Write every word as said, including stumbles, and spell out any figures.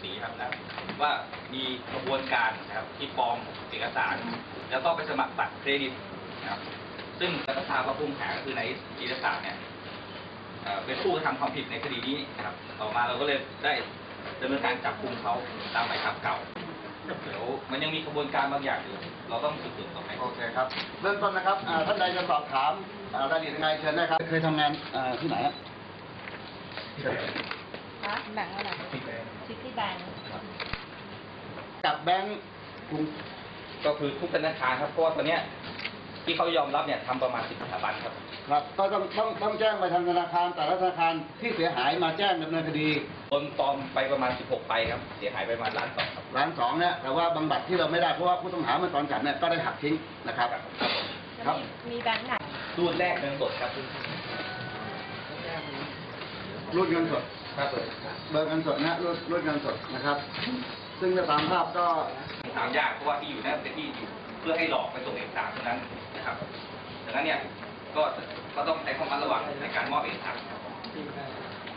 ษีครับนะว่ามีกระบวนการนะครับที่ปลอมเอกสารแล้วก็ไปสมัครบัตรเครดิตนะครับซึ่งรัฐทราบว่าผู้ต้องหาก็คือในจิตรศาสตร์เนี่ยเป็นผู้กระทำความผิดในคดีนี้นะครับต่อมาเราก็เลยได้ดำเนินการจับกุมเขาตามหมายจับเก่าเดี๋ยวมันยังมีกระบวนการบางอย่างอยู่เราต้องสืบสวนต่อไปโอเคครับเริ่มต้นนะครับท่านใดจะสอบถามรายละเอียดยังไงเชิญได้ครับเคยทำงานที่ไหนครับแบงก์อะไรซิตี้แบงก์กับแบงก์กรุงก็คือทุกธนาคารครับเพราะว่าตอนนี้ที่เขายอมรับเนี่ยทำประมาณสิบสถาบันครับครับก็ต้องต้องต้องแจ้งไปทางธนาคารแต่ละธนาคารที่เสียหายมาแจ้งดำเนินคดีโอนปลอมไปประมาณสิบหกใบครับเสียหายไปประมาณล้านสองครับล้านสองเนี่ยแต่ว่าบางบัตรที่เราไม่ได้เพราะว่าผู้ต้องหาเมื่อตอนจับเนี่ยก็ได้หักทิ้งนะครับครับมีแบงก์ไหนรูดแรกเงินสดครับรูดเงินสดครับเบอร์เงินสดนะรูดรูดเงินสดนะครับซึ่งตามภาพก็ถามยากเพราะว่าที่อยู่นั่นเป็นที่อยู่เพื่อให้หลอกไปส่งเอกสารเท่านั้นนะครับดังนั้นเนี่ยก็ก็ต้องใช้ความระมัดระวังในการมอบเอกสาร